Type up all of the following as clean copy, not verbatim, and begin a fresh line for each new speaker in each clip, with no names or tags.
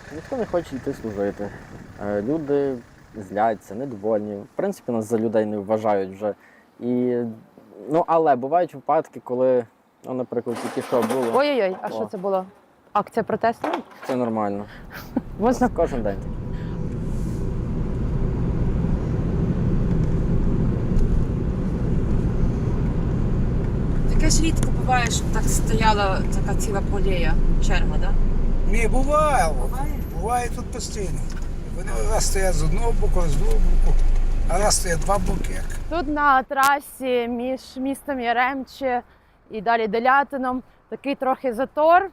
Ніхто не хоче йти служити. Люди зляться, недовольні. В принципі, нас за людей не вважають вже. Але бувають випадки, коли, наприклад, тільки що було.
Ой-ой-ой, а що це було? Акція протесту?
Це нормально.
Можна?
Кожен день таке.
Таке ж рідко буває, щоб так стояла така ціла полія, черга, так?
Ні, буває. Буває тут постійно. Вони у нас стоять з одного боку, з другого боку, а у нас стоять два боки.
Тут на трасі між містом Яремче і далі Делятином такий трохи затор,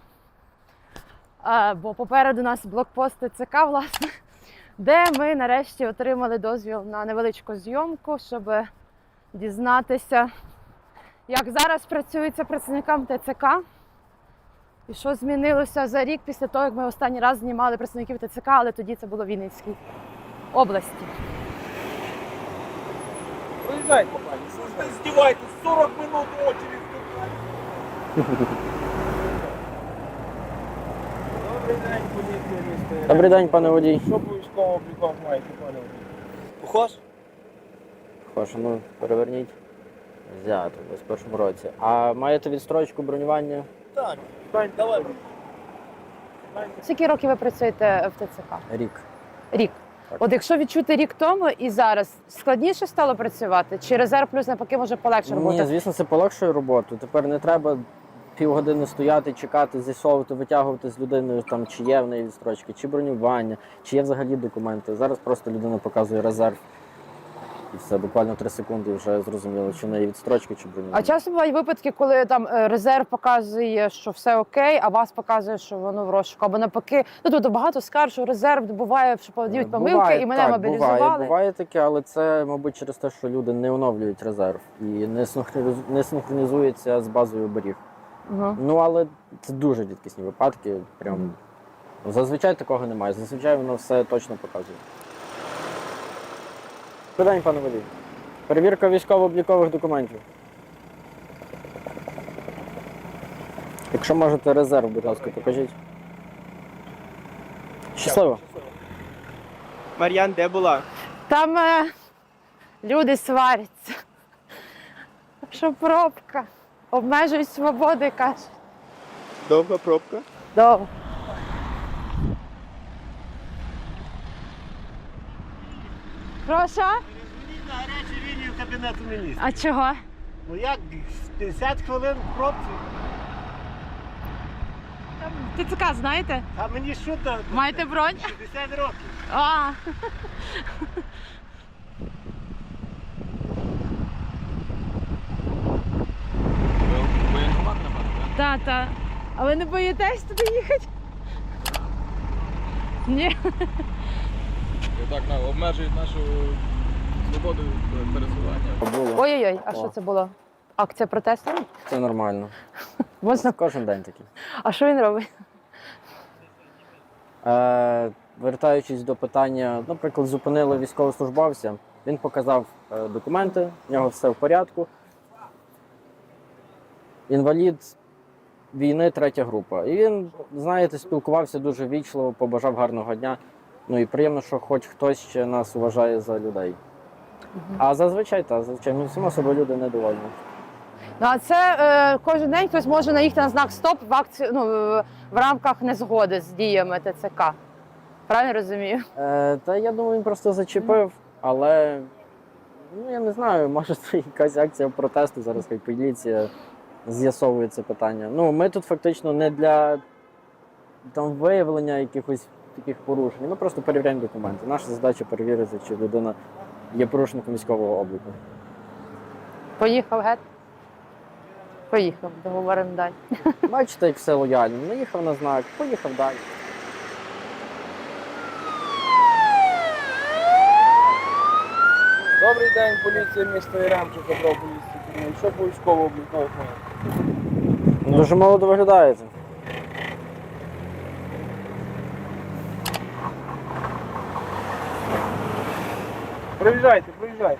бо попереду нас блокпост ТЦК, власне, де ми нарешті отримали дозвіл на невеличку зйомку, щоб дізнатися, як зараз працюється працівникам ТЦК і що змінилося за рік після того, як ми останній раз знімали працівників ТЦК, але тоді це було в Вінницькій області.
Приезжайте, пані, що ж ви здіваєтесь? 40 минут очередь. Добрий день, поліція міста.
Добрий день, пане водій.
Що по військовому обліку маєте, пане водій? Похож?
Прошу, переверніть. Взято, в 21-му році. А маєте відстрочку бронювання?
Так. Пань, давай.
Скільки років ви працюєте в ТЦК?
Рік.
Рік.
Так.
От якщо відчути рік тому і зараз, складніше стало працювати? Чи резерв плюс навпаки може полегше роботи?
Ні, звісно, це полегшує роботу. Тепер не треба півгодини стояти, чекати, з'ясовувати, витягувати з людиною, там, чи є в неї відстрочки, чи бронювання, чи є взагалі документи. Зараз просто людина показує резерв. І все, буквально 3 секунди і вже зрозуміло, чи в неї відстрочки, чи бронювання.
А часто бувають випадки, коли там резерв показує, що все окей, а вас показує, що воно в розшуку. Або навпаки, тобто багато скарг, що резерв буває, що подають помилки,
Буває,
і мене
так,
мобілізували.
Буває таке, але це, мабуть, через те, що люди не оновлюють резерв і не синхронізуються з базою оберіг.
Угу.
Але це дуже рідкісні випадки. Прям зазвичай такого немає. Зазвичай воно все точно показує. Добрий день, пане водій. Перевірка військово-облікових документів. Якщо можете резерв, будь ласка, покажіть. Щасливо.
Мар'ян, де була?
Там люди сваряться. Що пробка. Обмежують свободи, кажуть.
Довга пробка?
Довго. Прошу?
Перезвоніть на гарячу лінію Кабінету Міністрів.
А чого?
Ну як, 50 хвилин в пробці?
ТЦК знаєте?
А мені що там?
Маєте бронь?
60 років.
А.
Воєнкомат нема, так?
Та. А ви не боїтесь туди їхати? Ні.
Так обмежують нашу свободу пересування.
Було.
Ой-ой-ой, а що це було? Акція протесту?
Це нормально.
Можна?
Кожен день такий.
А що він робить?
Вертаючись до питання, наприклад, зупинили військовослужбовця, він показав документи, в нього все в порядку. Інвалід війни, 3-я група. І він, знаєте, спілкувався дуже ввічливо, побажав гарного дня. Ну і приємно, що хоч хтось ще нас вважає за людей. А зазвичай, само собою люди недовольні.
Ну, а це кожен день хтось може наїхати на знак «Стоп» в акцію, в рамках незгоди з діями ТЦК. Правильно розумію?
Та я думаю, він просто зачепив, але я не знаю, може це якась акція протесту, зараз хай поліція з'ясовує це питання. Ми тут фактично не для виявлення якихось таких порушень, ми просто перевіряємо документи. Наша задача перевірити, чи людина є порушником військового обліку.
Поїхав геть? Поїхав, договоримо далі.
Бачите, як все лояльно. Наїхав на знак, поїхав далі.
Добрий день, поліція міста Яремче, забрав поліцію. Що по військовому обліку маєте?
Дуже молодо виглядаєте.
Проїжджайте, проїжджайте.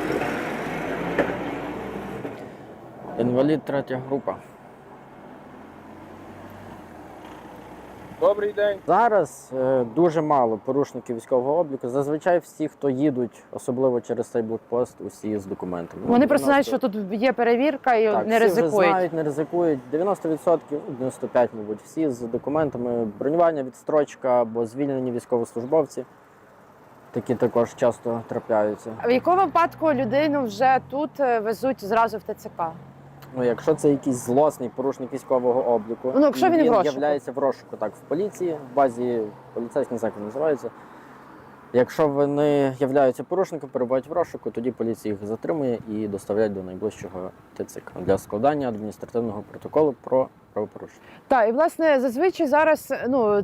Інвалід 3-я група.
Добрий день.
Зараз дуже мало порушників військового обліку. Зазвичай всі, хто їдуть, особливо через цей блокпост, усі з документами.
Вони просто знають,
90
що тут є перевірка і
Так,
не
всі вже
ризикують.
знають, не ризикують. 90%, 95%, мабуть, всі з документами. Бронювання, відстрочка або звільнені військовослужбовці. Такі також часто трапляються.
А в якому випадку людину вже тут везуть зразу в ТЦК?
Ну, якщо це якийсь злосний порушник військового обліку,
Ну, якщо
і
він в розшуку.
являється в розшуку, так, в поліції, в базі поліцейський заклад називається. Якщо вони являються порушником, перебувають в розшуку, тоді поліція їх затримує і доставляє до найближчого ТЦК для складання адміністративного протоколу про правопорушення.
Так, і власне зазвичай зараз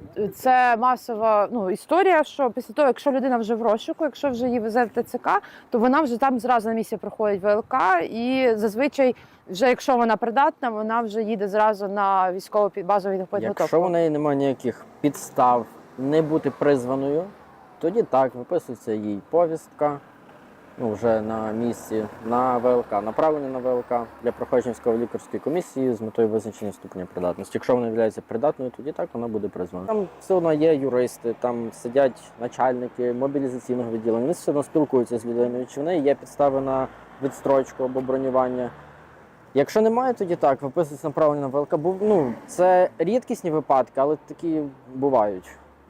це масова історія, що після того, якщо людина вже в розшуку, якщо вже її везе в ТЦК, то вона вже там зразу на місці проходить ВЛК, і зазвичай, вже якщо вона придатна, вона вже їде зразу на військову базову підготовку.
Якщо у неї немає ніяких підстав не бути призваною, тоді так, виписується їй повістка, вже на місці, на ВЛК, направлення на ВЛК для проходження військово-лікарської комісії з метою визначення ступеня придатності. Якщо вона є придатною, тоді так, вона буде призвана. Там все одно є юристи, там сидять начальники мобілізаційного відділення, вони все одно спілкуються з людиною, чи в неї є підстави на відстрочку або бронювання. Якщо немає, тоді так, виписується направлення на ВЛК. Це рідкісні випадки, але такі бувають.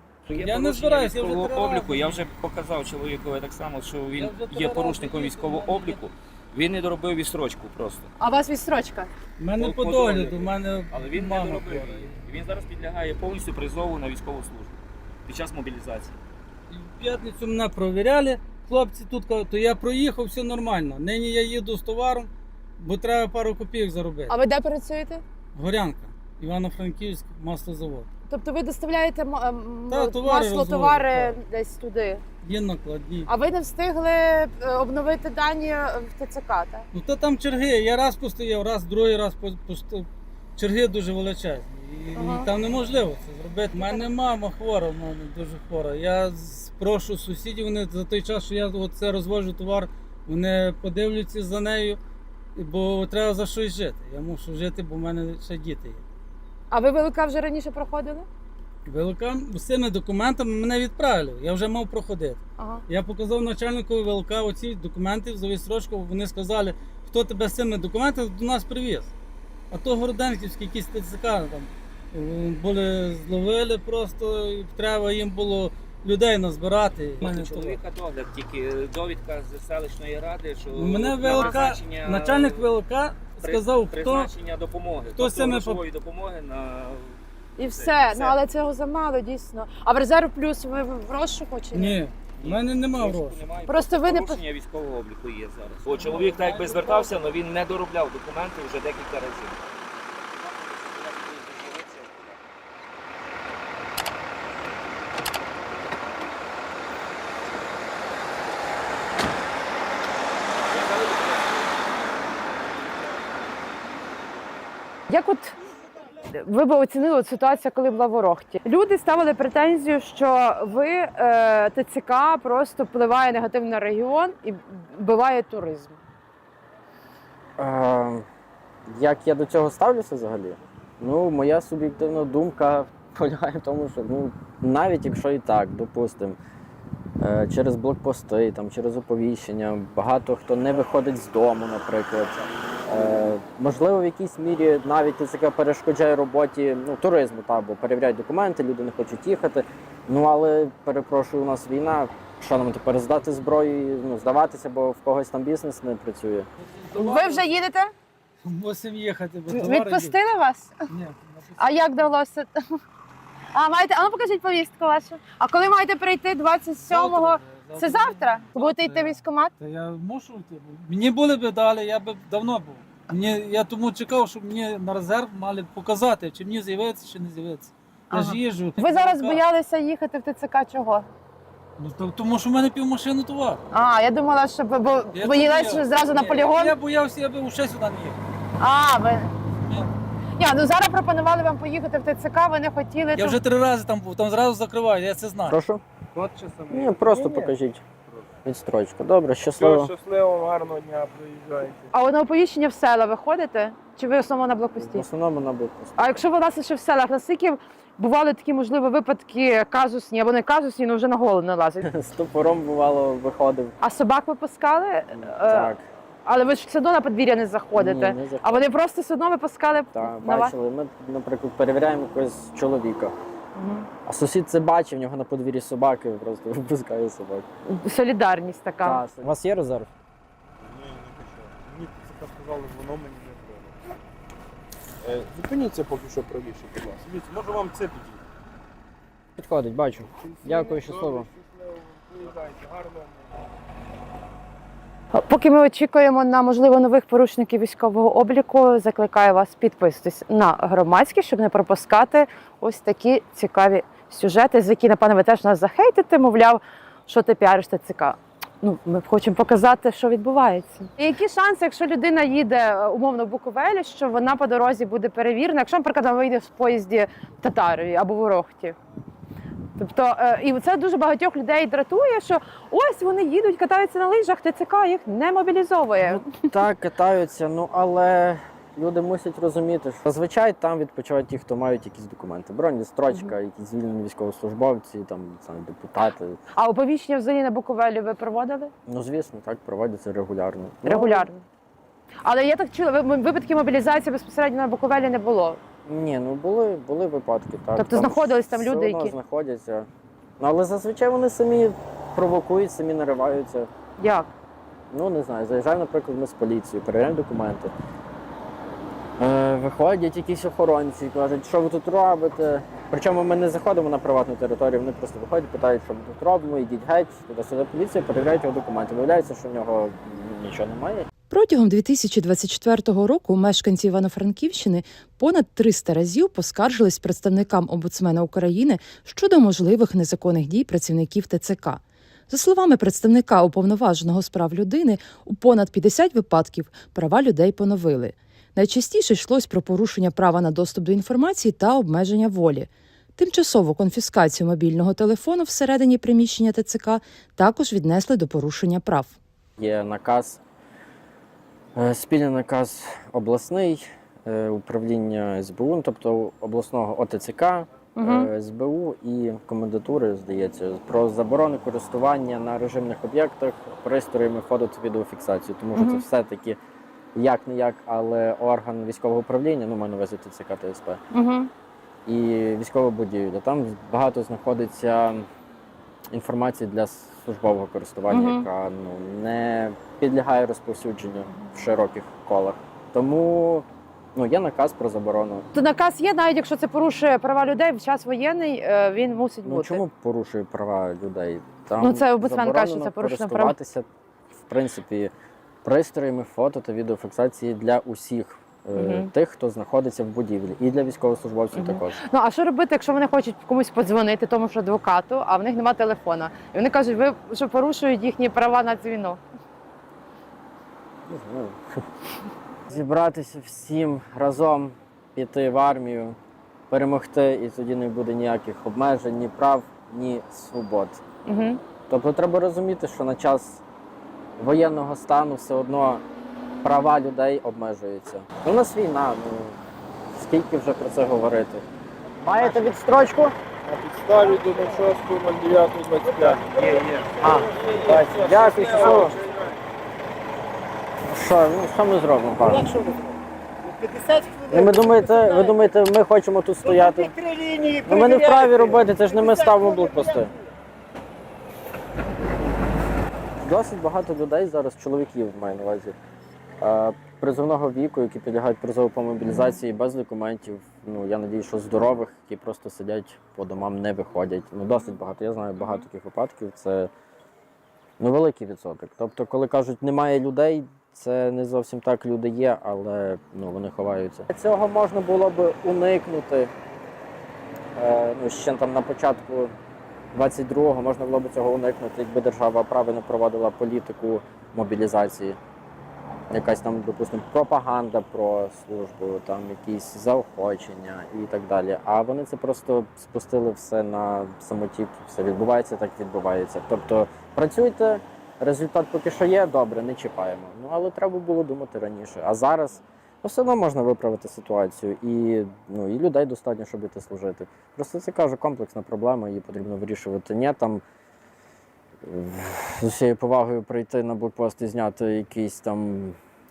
Я не збираюся військового обліку. Я вже показав чоловікові так само, що він є порушником військового обліку. Він не доробив відстрочку просто.
А у вас відстрочка?
У мене
По
по догляду, у мене
Але він не
мама
доробив
хвора.
її. Він зараз підлягає повністю призову на військову службу під час мобілізації.
В п'ятницю мене провіряли, хлопці тут кажуть, то я проїхав, все нормально. Нині я їду з товаром, бо треба пару копійок заробити.
А ви де працюєте?
Горянка, Івано-Франківськ, маслозавод.
Тобто ви доставляєте
товари
товари
розвозять,
десь туди.
Є накладні.
А ви не встигли обновити дані в ТЦК, так?
Ну то там черги, я раз постояв, раз, другий раз постояв. Черги дуже величезні. І
Ага.
там неможливо це зробити. У мене мама хвора, в мене дуже хвора. Я прошу сусідів, вони за той час, що я це розвожу товар, вони подивляться за нею, бо треба за щось жити. Я мушу жити, бо в мене ще діти є.
А ви ВЛК вже раніше проходили?
ВЛК з цими документами мене відправили, я вже мав проходити.
Ага.
Я показав начальнику ВЛК оці документи за відстрочку, вони сказали, хто тебе з цими документами до нас привіз. А то Городенківські якісь ТЦК там були, зловили просто, і треба їм було людей назбирати.
У чоловіка догляд, тільки довідка з селищної ради, що
Мене
на
ВЛК,
призначення-
начальник ВЛК сказав, хто
призначення допомоги,
хто з цими
грошової допомоги на
І все.
все.
Ну але цього замало, дійсно. А в резерв плюс ви в розшуку чи ні?
ні, в мене немає
Розшуку
грошей.
немає,
Просто ви не
порушення військового обліку є зараз. Бо чоловік так якби звертався, але він не доробляв документи вже декілька разів.
Як от ви б оцінили от ситуацію, коли була в Ворохті? Люди ставили претензію, що ви ТЦК просто впливає негативно на регіон і вбиває туризм.
Як я до цього ставлюся взагалі? Моя суб'єктивна думка полягає в тому, що навіть якщо і так, допустимо, через блокпости, через оповіщення, багато хто не виходить з дому, наприклад. Можливо, в якійсь мірі навіть ТЦК перешкоджає роботі туризму, бо перевіряють документи, люди не хочуть їхати. Але, перепрошую, у нас війна, що нам тепер здати зброю і здаватися, бо в когось там бізнес не працює.
Ви вже їдете?
Мусимо їхати, бо товари
Відпустили вас?
є. Ні,
А як вдалося? Маєте? А ну покажіть повістку вашу. А коли маєте прийти 27-го? Це завтра? Будете йти в військкомат?
Та я мушу йти. Мені були б дали, я б давно був. Я тому чекав, щоб мені на резерв мали показати, чи мені з'явиться, чи не з'явиться. Я ж їжджу.
Ви зараз боялися їхати в ТЦК чого?
Тому що в мене півмашини товар.
Я думала, що бо
Я
боїлися
боявся.
зразу на
Ні,
полігон.
Я боявся, я б ще сюди не їхав.
Ви.
Ні.
Зараз пропонували вам поїхати в ТЦК, ви не хотіли.
Я вже 3 рази там був, там зразу закривають, я це знаю.
Прошу?
Код чи саме?
Ні, просто покажіть. Відстрочка. Добре,
Все,
щасливо.
щасливо, гарного дня, приїжджайте.
А от на оповіщення в села ви ходите? Чи ви в основному на
В
блокпості?
основному на блокпості.
А якщо ви власне ще в селах, наскільки бували такі, можливо, випадки казусні або не казусні, але вже на голову не лазять?
З топором, бувало, виходив.
А собак ви пускали?
Так.
Але ви ж все одно на подвір'я не заходите.
Ні, не заходимо.
А вони просто все одно випускали
Так,
на вас?
бачили. Ми, наприклад, перевіряємо якогось чоловіка. А сусід це бачив, в нього на подвір'ї собаки, просто випускає собак.
Солідарність така.
У вас є резерв?
Ні, не хочу. Мені це сказали, воно мені не треба. Зупиніться поки що правіше, будь ласка. Дивіться, може вам це підійти.
Підходить, бачу. Дякую, щасливо.
Щасливо, приїжджайте, гарного.
Поки ми очікуємо на, можливо, нових порушників військового обліку, закликаю вас підписатись на громадські, щоб не пропускати ось такі цікаві сюжети, з які, напевно, ви теж нас захейтите, мовляв, що ти піариш ТЦК. Ну, ми хочемо показати, що відбувається. І які шанси, якщо людина їде умовно в Буковелі, що вона по дорозі буде перевірена, якщо, наприклад, вона вийде в поїзді Татарові або в Ворохті? Тобто, і це дуже багатьох людей дратує, що ось вони їдуть, катаються на лижах, ТЦК їх не мобілізовує.
Так, катаються, ну але люди мусять розуміти, що зазвичай там відпочивають ті, хто мають якісь документи. Бронь, строчка, якісь звільнені військовослужбовці, там, не знаю, депутати.
А оповіщення взагалі на Буковелі ви проводили?
Ну, звісно, так, проводяться регулярно.
Регулярно. Але я так чула, випадків мобілізації безпосередньо на Буковелі не було.
Ні, ну були випадки, так.
Тобто знаходились там
все
люди,
одно
які-
знаходяться. Ну, але зазвичай вони самі провокують, самі нариваються.
Як?
Ну, не знаю, заїжджаємо, наприклад, ми з поліцією, перевіряємо документи. Виходять якісь охоронці, кажуть, що ви тут робите. Причому ми не заходимо на приватну територію, вони просто виходять, питають, що ми тут робимо, йдіть геть, туди-сюди поліція, перевіряють його документи. Виявляється, що в нього нічого немає.
Протягом 2024 року мешканці Івано-Франківщини понад 300 разів поскаржились представникам омбудсмена України щодо можливих незаконних дій працівників ТЦК. За словами представника Уповноваженого з прав людини, у понад 50 випадків права людей поновили. Найчастіше йшлось про порушення права на доступ до інформації та обмеження волі. Тимчасову конфіскацію мобільного телефону всередині приміщення ТЦК також віднесли до порушення прав.
Є наказ, спільний наказ обласний, управління СБУ, ну, тобто обласного ОТЦК, СБУ і комендатури, здається, про заборону користування на режимних об'єктах пристроями фото та відеофіксації. Тому що це все-таки як-не-як, але орган військового управління, ну, маю на увазі ТЦК та СП, і військова будівля. Там багато знаходиться інформації для службового користування, яка не підлягає розповсюдженню в широких колах. Тому є наказ про заборону.
То наказ є, навіть якщо це порушує права людей в час воєнний, він мусить
Ну
бути.
чому порушує права людей? Там
Ну, це омбудсмен каже, що
заборонено
це порушення прав.
користуватися, в принципі, пристроями фото та відеофіксації для усіх тих, хто знаходиться в будівлі, і для військовослужбовців також.
Ну, а що робити, якщо вони хочуть комусь подзвонити, тому що адвокату, а в них немає телефона? І вони кажуть, ви що порушують їхні права на дзвінок.
Не знаю. Зібратися всім разом, піти в армію, перемогти, і тоді не буде ніяких обмежень, ні прав, ні свобод. Тобто треба розуміти, що на час воєнного стану все одно права людей обмежуються. У нас війна, скільки вже про це говорити. Маєте відстрочку?
На підставі до 06.09.25. Є.
Дякую, щасливо. Що ми зробимо, пане?
50
Ви думаєте, ми хочемо тут стояти? Ну, ми не вправі робити, це ж не ми ставимо блокпости. Досить багато людей зараз, чоловіків маю на увазі, призовного віку, які підлягають призову по мобілізації без документів. Я надію, що здорових, які просто сидять по домам, не виходять. Досить багато. Я знаю багато таких випадків. Це великий відсоток. Тобто, коли кажуть, немає людей, це не зовсім так, люди є, але вони ховаються. Цього можна було б уникнути. Ще там на початку 22-го можна було б цього уникнути, якби держава правильно проводила політику мобілізації. Якась там, допустимо, пропаганда про службу, там якісь заохочення і так далі. А вони це просто спустили все на самотік, все відбувається, так відбувається. Тобто працюйте, результат поки що є, добре, не чіпаємо. Ну, але треба було думати раніше. А зараз все одно можна виправити ситуацію. І людей достатньо, щоб іти служити. Просто це, кажу, комплексна проблема, її потрібно вирішувати. Ні, там з усією повагою прийти на блокпост і зняти якийсь там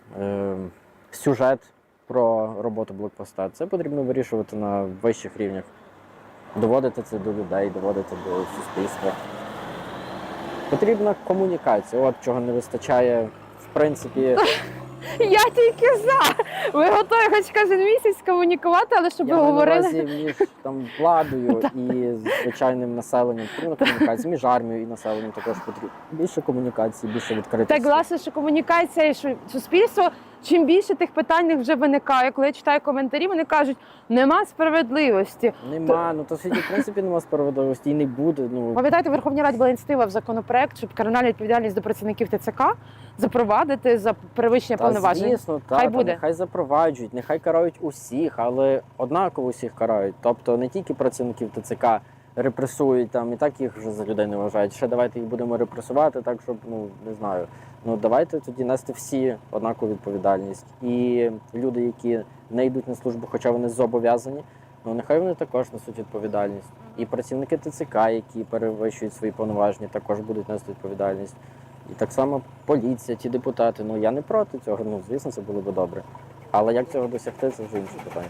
сюжет про роботу блокпоста. Це потрібно вирішувати на вищих рівнях. Доводити це до людей, доводити до суспільства. Потрібна комунікація. От чого не вистачає, в принципі.
Я тільки за. Ви готові хоч кожен місяць комунікувати, але щоб ви
Я маю на
говорили.
увазі між там владою і звичайним населенням. Потрібна комунікація між армією і населенням також потрібно. Більше комунікації, більше відкритості.
Так, власне, що комунікація і що суспільство, чим більше тих питань вже виникає. Коли я читаю коментарі, вони кажуть, нема справедливості.
Нема, то в світі, в принципі, нема справедливості і не буде.
Пам'ятаєте, в Верховній Раді була ініціатива в законопроект, щоб кримінальну відповідальність до працівників ТЦК запровадити за перевищення повноважень.
Звісно,
Хай буде.
Нехай запроваджують, нехай карають усіх, але однаково усіх карають. Тобто не тільки працівників ТЦК репресують, там і так їх вже за людей не вважають. Ще давайте їх будемо репресувати, так щоб, не знаю. Давайте тоді нести всі однакову відповідальність. І люди, які не йдуть на службу, хоча вони зобов'язані, нехай вони також несуть відповідальність. І працівники ТЦК, які перевищують свої повноваження, також будуть нести відповідальність. І так само поліція, ті депутати. Я не проти цього, звісно, це було б добре. Але як цього досягти, це вже інше питання.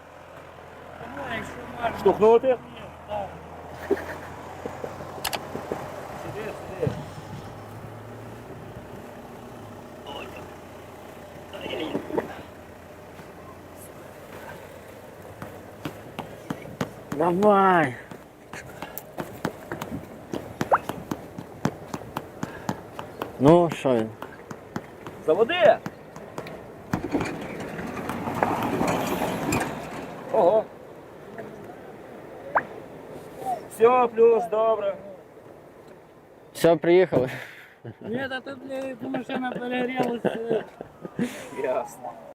Штовхнути?
Давай! Що він?
Заводи! Ого! Все, плюс, добре.
Все, приїхали.
Ні, та тут машина перегрілася.
Ясно.